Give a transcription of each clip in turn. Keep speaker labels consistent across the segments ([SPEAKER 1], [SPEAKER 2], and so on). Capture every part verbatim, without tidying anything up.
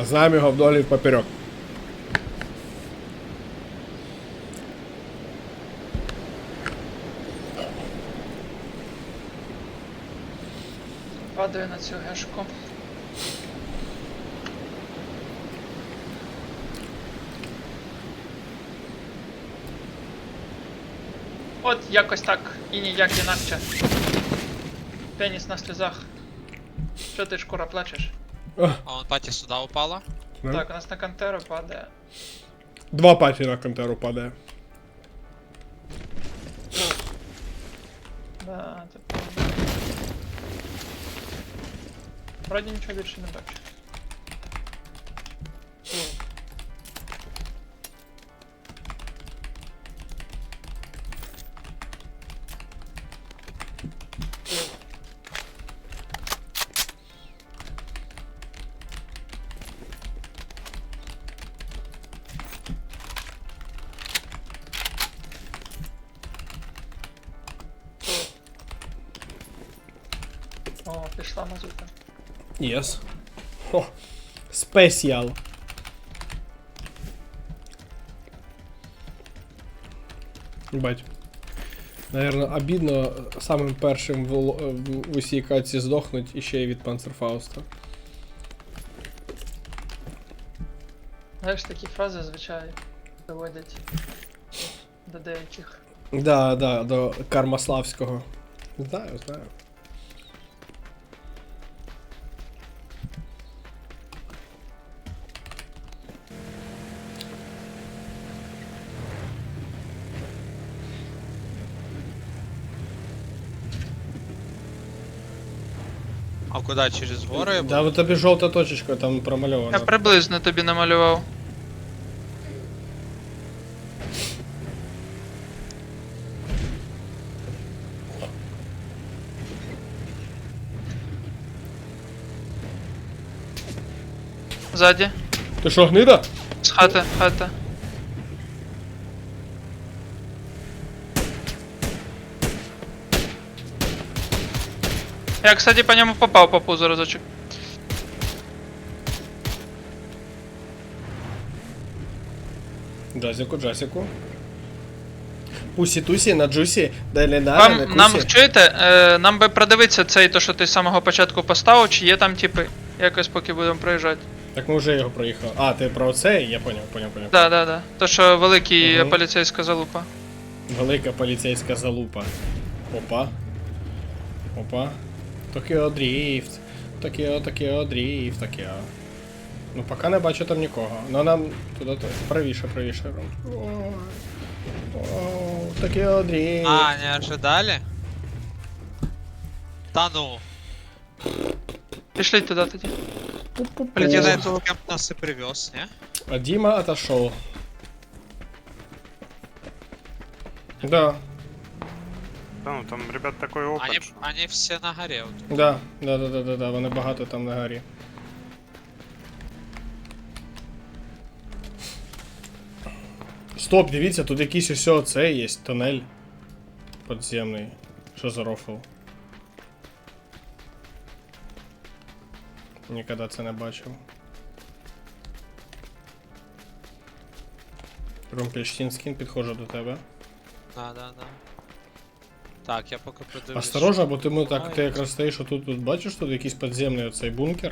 [SPEAKER 1] Знаємо його вдолі і впоперек.
[SPEAKER 2] Падаю на цю гешку. От якось так і ніяк інакше. Пеніс на сльозах. Що ти, шкура, плачеш?
[SPEAKER 1] Ох,
[SPEAKER 3] А он паті сюди упала.
[SPEAKER 1] ну.
[SPEAKER 2] Так, у нас на кантеру падає.
[SPEAKER 1] Два паті на контеру падає.
[SPEAKER 2] Да, це правда. Вроді нічого більше не бачу. О, пішла мазута.
[SPEAKER 1] Єс. О, спеціал. Бать. Наверно, обідно самим першим в, л- в, в усій каці здохнуть і ще й від Панцерфауста.
[SPEAKER 2] Знаєш, такі фрази, звичайно, доводять до деяких.
[SPEAKER 1] Да, да, до Кармаславського. Знаю, знаю.
[SPEAKER 3] А куди? Через гори?
[SPEAKER 1] Да, вот тобі жовта точечка там
[SPEAKER 2] Я
[SPEAKER 1] промальована.
[SPEAKER 2] приблизно тобі намалював. Ззаді.
[SPEAKER 1] Ти що, гнида?
[SPEAKER 2] З хати, хата. Я, кстати, по ньому попав по пузу разочек.
[SPEAKER 1] Джасіку, Джасіку. Пусі-тусі на джусі, далі на
[SPEAKER 2] Вам,
[SPEAKER 1] на
[SPEAKER 2] нам,
[SPEAKER 1] кусі.
[SPEAKER 2] чуєте, е, нам би продивитися цей, то що ти з самого початку поставив, чи є там типи, якось поки будемо проїжджати.
[SPEAKER 1] Так ми вже його проїхали. А, ти про це? Я поняв, поняв, поняв.
[SPEAKER 2] Да, да, да. То що великий
[SPEAKER 1] Мгм.
[SPEAKER 2] поліцейська залупа.
[SPEAKER 1] Велика поліцейська залупа. Опа. Опа. Токіо дріфт. Токіо, Токіо дріфт, Токіо. Ну, поки не бачу там нікого. Ну нам туди то правіше, правіше. Ой. О, Токіо дріфт.
[SPEAKER 3] А, не ожидали? Та ну.
[SPEAKER 2] Пішли туди тоді.
[SPEAKER 1] Пу-пу-пу.
[SPEAKER 3] Блин, я на этого кемп нас и привез, не?
[SPEAKER 1] А Дима отошел. Да,
[SPEAKER 4] Да, ну там, ребят, такой опыт.
[SPEAKER 3] Они, они все на горе. Вот.
[SPEAKER 1] да, да, да, да, да, да, вони багато там на горі. Стоп, дивіться, тут якийсь ось оце є, тунель підземний. Що за рофл? Ніколи це не бачив. Румпельштінскін, підходжу до тебе.
[SPEAKER 3] Да, да, да. Так, я поки подивлюсь.
[SPEAKER 1] Осторожно, бо ти, ми так, ти
[SPEAKER 3] Ай.
[SPEAKER 1] якраз стоїш, а тут, тут бачиш, тут якийсь підземний оцей бункер.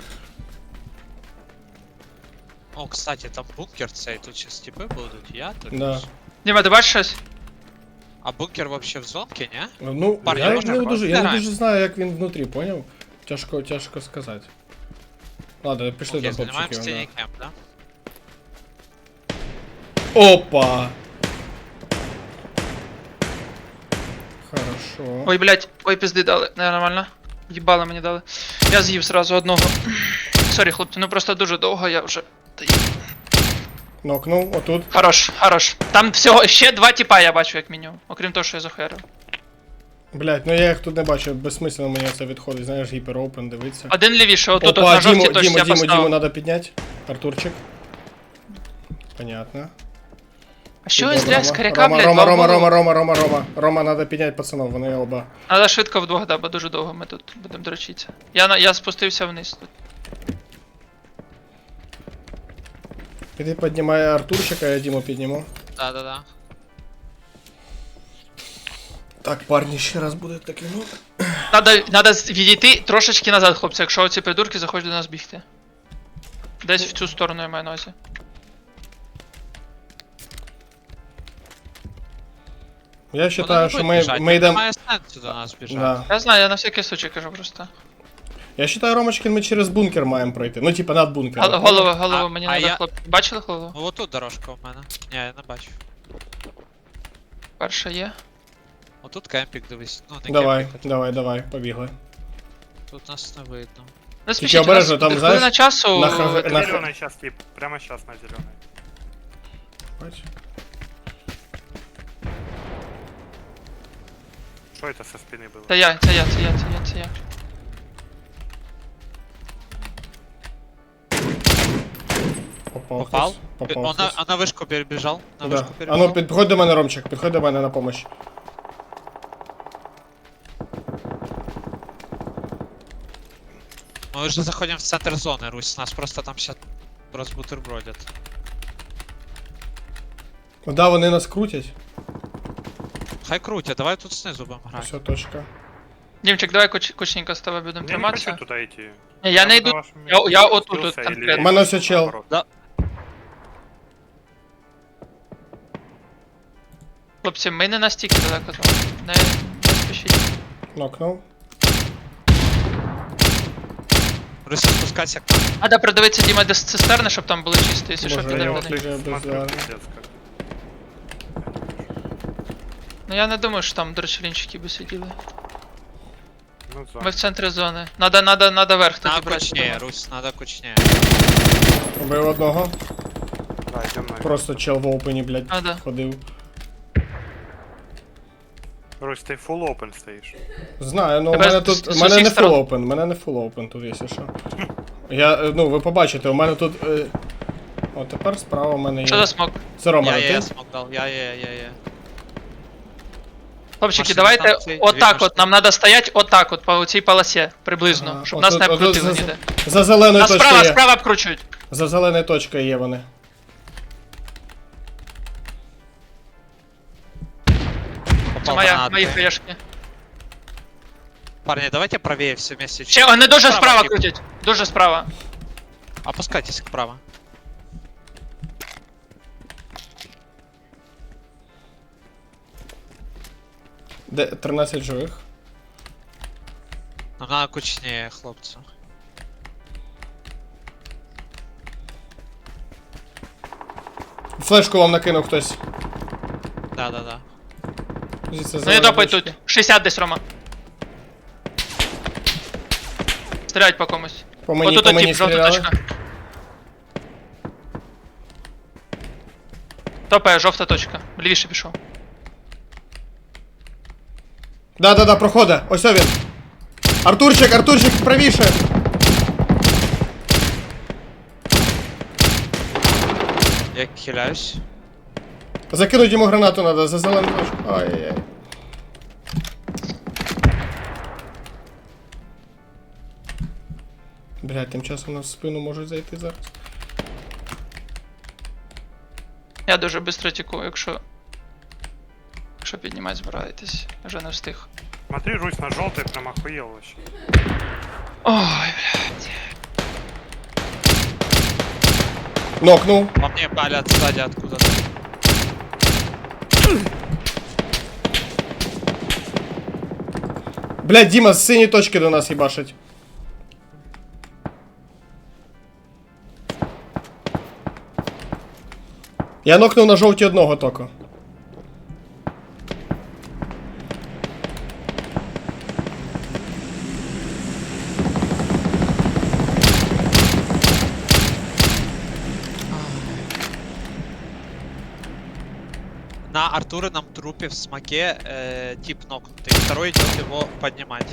[SPEAKER 3] О, кстати, там бункер цей, тут сейчас типи будуть, я тут.
[SPEAKER 1] Да.
[SPEAKER 2] Діма, ти бачиш щось?
[SPEAKER 3] А бункер вообще в зонке, не?
[SPEAKER 1] Ну,
[SPEAKER 3] Парні,
[SPEAKER 1] я,
[SPEAKER 3] можна
[SPEAKER 1] не
[SPEAKER 3] вас?
[SPEAKER 1] дуже, я не
[SPEAKER 3] Давай.
[SPEAKER 1] дуже знаю, як він внутрі, поняв? Тяжко, тяжко сказати. Ладно, пішли
[SPEAKER 3] Окей,
[SPEAKER 1] до
[SPEAKER 3] занимаем
[SPEAKER 1] хлопчиків.
[SPEAKER 3] стене
[SPEAKER 1] Да.
[SPEAKER 3] кемп, да?
[SPEAKER 1] Опа! Хорошо.
[SPEAKER 2] Ой, блядь, ой, пизди дали. Не, нормально. Їбали мені дали. Я з'їв сразу одного. Сорі, хлопці, ну просто дуже довго я вже.
[SPEAKER 1] Нокнув, отут.
[SPEAKER 2] Хорош, хорош. Там всього ще два тіпа я бачу, як мінімум. Окрім того, що я захуярив.
[SPEAKER 1] Блять, ну я їх тут не бачу, безсмислено мені це відходить, знаєш, гіперопен, дивиться.
[SPEAKER 2] Один лівіше, отут, от
[SPEAKER 1] Опа,
[SPEAKER 2] на жовтій
[SPEAKER 1] Діму,
[SPEAKER 2] точці
[SPEAKER 1] Діму,
[SPEAKER 2] я
[SPEAKER 1] Діму, Діму
[SPEAKER 2] поставив.
[SPEAKER 1] надо підняти. Артурчик. Понятно.
[SPEAKER 2] А що ви
[SPEAKER 1] Рома,
[SPEAKER 2] зря з коряка,
[SPEAKER 1] Рома,
[SPEAKER 2] блядь,
[SPEAKER 1] Рома,
[SPEAKER 2] два
[SPEAKER 1] Рома,
[SPEAKER 2] голову?
[SPEAKER 1] Рома, Рома, Рома, Рома. Рома, надо підняти пацанов, вони оба.
[SPEAKER 2] Надо швидко вдвох, да, бо дуже довго ми тут будемо дрочитися. Я, на- я спустився вниз тут.
[SPEAKER 1] Іди піднімай Артурчика, я Діму підніму.
[SPEAKER 3] Да-да-да.
[SPEAKER 1] Так, парні, ще раз буде такий, ну.
[SPEAKER 2] Надо, надо відійти трошечки назад, хлопці, якщо оці придурки захочуть до нас бігти. Десь в цю сторону я маю на увазі.
[SPEAKER 1] Я
[SPEAKER 3] Вони
[SPEAKER 1] вважаю,
[SPEAKER 3] не
[SPEAKER 1] що
[SPEAKER 3] будуть
[SPEAKER 1] ми,
[SPEAKER 3] біжать,
[SPEAKER 1] ми
[SPEAKER 3] їм
[SPEAKER 1] йдемо.
[SPEAKER 3] Немає сенсу до нас біжати.
[SPEAKER 1] Да.
[SPEAKER 2] Я знаю, я на всякий случай кажу просто.
[SPEAKER 1] Я вважаю, Ромочкин, ми через бункер маємо пройти. Ну, типа над бункером.
[SPEAKER 2] Гол- Голову, голову
[SPEAKER 3] А-
[SPEAKER 2] мені
[SPEAKER 3] а
[SPEAKER 2] надо,
[SPEAKER 3] я-
[SPEAKER 2] хлопці. Бачили голову?
[SPEAKER 3] Ну отут дорожка в мене. Ні, я не бачу.
[SPEAKER 2] Перша є.
[SPEAKER 3] Отут кемпік, дивись. Ну, не
[SPEAKER 1] Давай,
[SPEAKER 3] кемпік, а
[SPEAKER 1] давай, давай, побігли.
[SPEAKER 3] тут нас не видно.
[SPEAKER 2] Не спішіть, у нас
[SPEAKER 1] обережно, там,
[SPEAKER 2] буде
[SPEAKER 1] знаєш,
[SPEAKER 2] хвилина часу.
[SPEAKER 1] на ха-
[SPEAKER 2] е,
[SPEAKER 1] на-
[SPEAKER 4] Зеленый сейчас тип. Прямо сейчас на зеленый.
[SPEAKER 1] Бач.
[SPEAKER 4] Что это со спины было?
[SPEAKER 2] Це я, це я, це я, це я, це я.
[SPEAKER 1] Попав.
[SPEAKER 3] Попав?
[SPEAKER 1] хтось. Попав.
[SPEAKER 3] Он на,
[SPEAKER 1] хтось.
[SPEAKER 3] а на вишку перебіжав? На
[SPEAKER 1] Да.
[SPEAKER 3] вишку
[SPEAKER 1] А
[SPEAKER 3] перебіжав?
[SPEAKER 1] ну, підходь до мене, Ромчик, підходь до мене на помощь.
[SPEAKER 3] Ми вже заходимо в центр зони, Русь. Нас просто там ще розбутербродять.
[SPEAKER 1] Да, вони нас крутять.
[SPEAKER 3] Хай крутять, давай тут знизу будемо грати.
[SPEAKER 1] Все, точка.
[SPEAKER 2] Дімчик, давай коч, кочненько з тобою будемо
[SPEAKER 4] Я не
[SPEAKER 2] триматися.
[SPEAKER 4] хочу туда идти.
[SPEAKER 2] Ні, я не
[SPEAKER 4] на
[SPEAKER 2] йду.
[SPEAKER 4] вашем
[SPEAKER 2] Я-
[SPEAKER 4] месте
[SPEAKER 2] я отут,
[SPEAKER 4] спустился
[SPEAKER 2] от
[SPEAKER 4] или
[SPEAKER 2] конкретно.
[SPEAKER 1] У мене ось чел.
[SPEAKER 4] наоборот.
[SPEAKER 2] Хлопці, ми не настільки далеко з вами. Не, не спішіть.
[SPEAKER 1] Нокнув.
[SPEAKER 3] Русь, спускайся к нам.
[SPEAKER 2] Надо придивитися, Діма, до цистерни, щоб там були чисті, якщо що
[SPEAKER 1] Боже,
[SPEAKER 4] Да
[SPEAKER 1] я
[SPEAKER 4] я
[SPEAKER 2] підемо
[SPEAKER 1] вот
[SPEAKER 2] до
[SPEAKER 4] вот
[SPEAKER 2] них.
[SPEAKER 1] уже без
[SPEAKER 4] смотрю,
[SPEAKER 1] зара.
[SPEAKER 4] пиздец как.
[SPEAKER 2] Ну я не думаю, що там дрочелінчики би сиділи.
[SPEAKER 4] Ну,
[SPEAKER 2] Ми
[SPEAKER 4] за.
[SPEAKER 2] в центрі зони. Надо, надо, надо верх тоді
[SPEAKER 3] Надо
[SPEAKER 2] брати.
[SPEAKER 3] кучніє,
[SPEAKER 2] думаю.
[SPEAKER 3] Русь, надо кучніє.
[SPEAKER 1] Убив одного.
[SPEAKER 4] Да, идем на.
[SPEAKER 1] Просто чел в опені, блядь,
[SPEAKER 2] А, да.
[SPEAKER 1] ходив.
[SPEAKER 4] Русь, ты full open стоишь.
[SPEAKER 1] Знаю, ну у
[SPEAKER 2] Тебе
[SPEAKER 1] мене
[SPEAKER 2] з-
[SPEAKER 1] тут.
[SPEAKER 2] з
[SPEAKER 1] У мене
[SPEAKER 2] усіх
[SPEAKER 1] не
[SPEAKER 2] сторон.
[SPEAKER 1] full open, у мене не full open тут, якщо що. Я, е, ну, ви побачите, у мене тут. Е... О, тепер справа у мене є.
[SPEAKER 2] Що за смок?
[SPEAKER 1] Це Рома,
[SPEAKER 3] Я,
[SPEAKER 1] а
[SPEAKER 3] я, я
[SPEAKER 1] ти?
[SPEAKER 3] смог дал, я, я, я, я.
[SPEAKER 2] Хлопчики,
[SPEAKER 3] Машини
[SPEAKER 2] давайте
[SPEAKER 3] станції, дві
[SPEAKER 2] отак от,
[SPEAKER 3] машини.
[SPEAKER 2] нам треба стояти отак от, по цій полосі, приблизно,
[SPEAKER 1] Ага,
[SPEAKER 2] щоб
[SPEAKER 1] отут-
[SPEAKER 2] нас не
[SPEAKER 1] отут
[SPEAKER 2] обкрутили
[SPEAKER 1] за-
[SPEAKER 2] ніде.
[SPEAKER 1] За зеленою
[SPEAKER 2] Нас
[SPEAKER 1] точкою
[SPEAKER 2] справа,
[SPEAKER 1] є.
[SPEAKER 2] справа обкручують.
[SPEAKER 1] За зеленою точкою є вони.
[SPEAKER 2] Це
[SPEAKER 3] Попал
[SPEAKER 2] моя,
[SPEAKER 3] гранат.
[SPEAKER 2] мої хаєшки.
[SPEAKER 3] Парни, давайте правее все вместе.
[SPEAKER 2] Ще, вони дуже справа
[SPEAKER 3] тип.
[SPEAKER 2] крутять. Дуже справа.
[SPEAKER 3] Опускайтесь вправо.
[SPEAKER 1] Де тринадцять живих.
[SPEAKER 3] Нам надо кучнее, хлопцы.
[SPEAKER 1] Флешку вам накинув хтось.
[SPEAKER 3] Да-да-да.
[SPEAKER 1] Звідси
[SPEAKER 2] Ну і
[SPEAKER 1] зелена
[SPEAKER 2] допай
[SPEAKER 1] точка.
[SPEAKER 2] тут. шістдесят десь, Рома. Стріляють по комусь.
[SPEAKER 1] По мені,
[SPEAKER 2] Отут
[SPEAKER 1] по
[SPEAKER 2] тип,
[SPEAKER 1] мені
[SPEAKER 2] жовта
[SPEAKER 1] стріляли.
[SPEAKER 2] точка. Топає, жовта точка. Лівіше пішов.
[SPEAKER 1] Да, да, да, проходить. Ось він. Артурчик, Артурчик, правіше.
[SPEAKER 3] Я хиляюсь.
[SPEAKER 1] Закинуть йому гранату надо за зелену точку. Ай-яй-яй. Блядь, тим часом нас в спину можуть зайти зараз.
[SPEAKER 2] Я дуже швидко тіку, якщо. Якщо піднімати збираєтесь. Вже не встиг.
[SPEAKER 4] Смотри, Русь на желтый прям охуел вообще.
[SPEAKER 2] Ой, блядь.
[SPEAKER 1] Нокнув.
[SPEAKER 3] По мне палят сзади откуда-то.
[SPEAKER 1] Блядь, Діма з синьої точки до нас їбашить. Я нокнув на жовті одного току.
[SPEAKER 3] На Артурином трупе в смоке э, тип нокнутый. Второй идет его поднимать.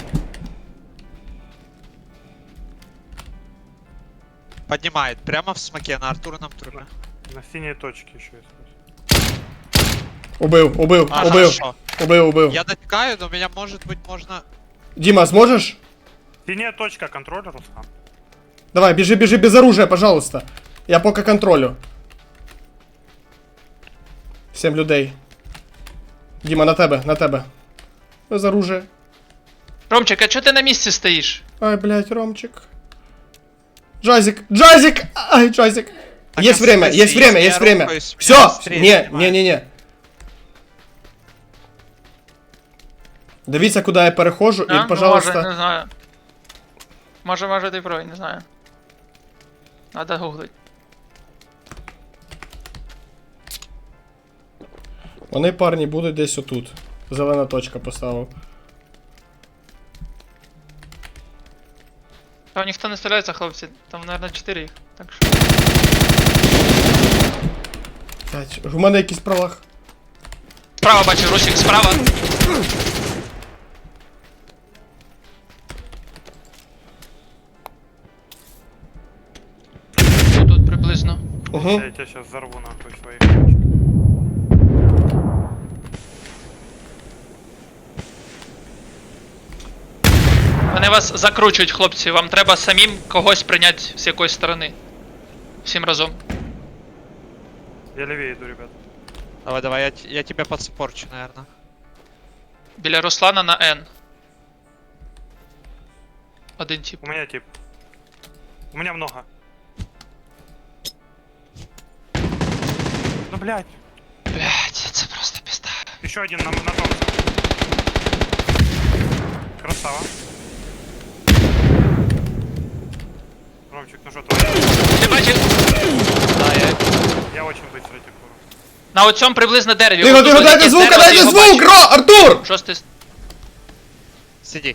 [SPEAKER 3] Поднимает прямо в смоке на Артурином трупе.
[SPEAKER 4] На синей точке еще есть.
[SPEAKER 1] Убив, убив,
[SPEAKER 3] А,
[SPEAKER 1] убив,
[SPEAKER 3] хорошо.
[SPEAKER 1] убив, убив.
[SPEAKER 3] Я дотекаю, но меня может быть можно...
[SPEAKER 1] Діма, зможеш?
[SPEAKER 4] Синяя точка, контроль, Руслан.
[SPEAKER 1] Давай, біжи, біжи без оружия, пожалуйста. Я поки контролю. Сім людей. Діма, на тебе, на тебе. Без оружия.
[SPEAKER 2] Ромчик, а чого ти на місці стоїш?
[SPEAKER 1] Ай, блядь, Ромчик. Джазик, Джазик! Ай, Джазик.
[SPEAKER 3] Так,
[SPEAKER 1] Есть
[SPEAKER 3] а
[SPEAKER 1] время,
[SPEAKER 3] смысл,
[SPEAKER 1] есть время,
[SPEAKER 3] если
[SPEAKER 1] есть
[SPEAKER 3] я
[SPEAKER 1] время.
[SPEAKER 3] рухаюсь,
[SPEAKER 1] Все,
[SPEAKER 3] меня быстрее
[SPEAKER 1] не, не,
[SPEAKER 3] снимают.
[SPEAKER 1] не, не. Дивіться, куди я перехожу,
[SPEAKER 2] А?
[SPEAKER 1] і,
[SPEAKER 2] Ну,
[SPEAKER 1] пожалуйста.
[SPEAKER 2] може, не знаю. Може, може ти правий, не знаю. Надо гуглить.
[SPEAKER 1] Вони, парні, будуть десь отут. Зелена точка поставив.
[SPEAKER 2] Там ніхто не стріляється, хлопці. Там, мабуть, чотири їх. Так що.
[SPEAKER 1] Блядь, у мене якийсь пролаг.
[SPEAKER 2] Справа бачу, Русик, справа. Тут, тут приблизно.
[SPEAKER 1] Угу.
[SPEAKER 4] Я тебя сейчас взорву нахуй своих точек.
[SPEAKER 2] Вони вас закручують, хлопці. Вам треба самим когось прийняти з якоїсь сторони. Всім разом.
[SPEAKER 4] Я левее иду, ребят.
[SPEAKER 3] Давай, давай, я, т- я тебя подспорчу, наверное.
[SPEAKER 2] Біля Руслана на Н. Один тип.
[SPEAKER 4] У меня тип. У меня много. Ну, блядь.
[SPEAKER 2] Блять, це просто пізда.
[SPEAKER 4] Еще один на, на том. Красава. Ромчик, ну что, твоя?
[SPEAKER 2] Ти бачив?
[SPEAKER 3] Да, я...
[SPEAKER 4] Я очень быстро типу.
[SPEAKER 2] На оцьому приблизно дереві.
[SPEAKER 1] Тихо,
[SPEAKER 2] Отут
[SPEAKER 1] тихо,
[SPEAKER 2] от
[SPEAKER 1] дайте
[SPEAKER 2] якесь
[SPEAKER 1] звук,
[SPEAKER 2] дерево,
[SPEAKER 1] дайте
[SPEAKER 2] ти його
[SPEAKER 1] звук,
[SPEAKER 2] бачиш.
[SPEAKER 1] Ро, Артур!
[SPEAKER 2] Шостий. с-
[SPEAKER 3] Сиди.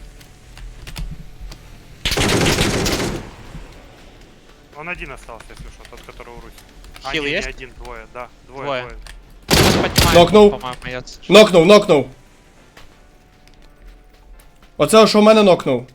[SPEAKER 4] Он один остался, если что, тот, который у Руси. А,
[SPEAKER 3] Хил
[SPEAKER 4] не, не
[SPEAKER 3] есть?
[SPEAKER 4] один, двое, да. Двое,
[SPEAKER 3] Двое.
[SPEAKER 4] двое.
[SPEAKER 3] Сейчас поднимаю,
[SPEAKER 1] Нокнул.
[SPEAKER 3] по-моему, я... ц-
[SPEAKER 1] Нокнув, нокнув. Оце, що в мене нокнув.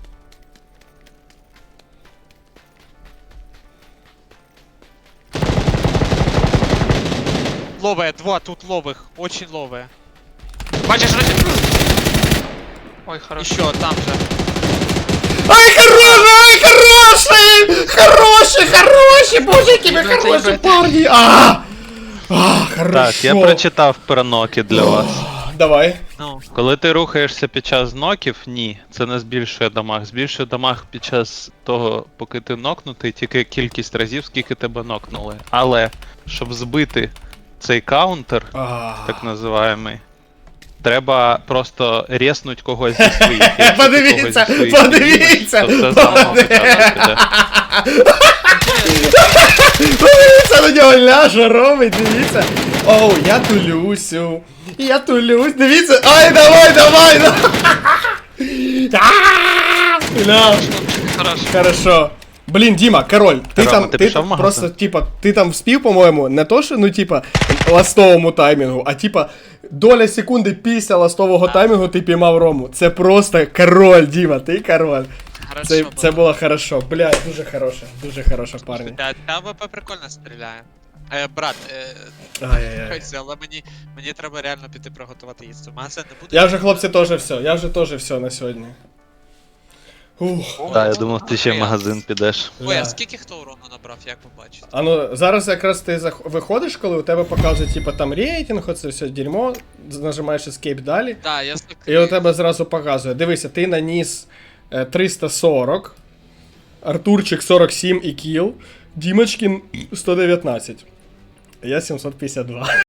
[SPEAKER 3] Ловые, два, тут ловых, очень ловые.
[SPEAKER 2] Бачиш, Русик? Ой, хорош.
[SPEAKER 3] Еще там же.
[SPEAKER 1] Ай, хороший, ай, хороший! Хороший, хороший, боже, які ви
[SPEAKER 2] Їбать,
[SPEAKER 1] хороші
[SPEAKER 2] їбать.
[SPEAKER 1] парні! А, а, хорошо.
[SPEAKER 5] Так, я прочитав про ноки для вас.
[SPEAKER 1] Давай.
[SPEAKER 3] Ну,
[SPEAKER 5] Коли ти рухаєшся під час ноків, ні, це не збільшує дамаг. Збільшує дамаг під час того, поки ти нокнутий, тільки кількість разів, скільки тебе нокнули. Але, щоб збити цей каунтер,
[SPEAKER 1] А.
[SPEAKER 5] так називаємий, треба просто резнуть когось зі своїх. Якщо ти
[SPEAKER 1] Подивіться,
[SPEAKER 5] когось зі своїх
[SPEAKER 1] подивіться,
[SPEAKER 5] знімеш, то це заново початок піде.
[SPEAKER 1] Подивіться на нього, ляже робить, дивіться. Оу, я тулюсю. Я тулюсь, дивіться. Ай, давай, давай, давай. А, ля.
[SPEAKER 2] Хорош.
[SPEAKER 1] Хорошо. Блін, Діма, король, ти
[SPEAKER 5] Рома,
[SPEAKER 1] там,
[SPEAKER 5] ти
[SPEAKER 1] ти
[SPEAKER 5] пішов в магазин?
[SPEAKER 1] просто, типа, ти там вспів, по-моєму, не то, що, ну, типа, ластовому таймінгу, а типа, доля секунди після ластового таймінгу ти піймав Рому. Це просто король, Діма, ти король.
[SPEAKER 3] хорошо
[SPEAKER 1] Це,
[SPEAKER 3] было.
[SPEAKER 1] це було хорошо. Блядь, дуже хороше, дуже хороше, парні.
[SPEAKER 3] Да, та АВП прикольно стріляє. Е, брат, е,
[SPEAKER 1] Ай-яй-яй.
[SPEAKER 3] хойся, але мені, мені треба реально піти приготувати їсти. У мене це не буде.
[SPEAKER 1] Я вже, хлопці, теж все, я вже теж все на сьогодні. Ух.
[SPEAKER 5] Так, я думав, ти ще в магазин підеш.
[SPEAKER 3] Ой, а
[SPEAKER 1] Ля.
[SPEAKER 3] скільки хто урону набрав, як ви бачите?
[SPEAKER 1] А ну, зараз якраз ти зах... виходиш, коли у тебе показує, типа, там рейтинг, оце все дерьмо, нажимаєш escape далі.
[SPEAKER 3] Да, я
[SPEAKER 1] І у тебе зразу показує. Дивися, ти наніс е, триста сорок, Артурчик сорок сім і кіл, Дімочкін сто дев'ятнадцять. Я сімсот п'ятдесят два.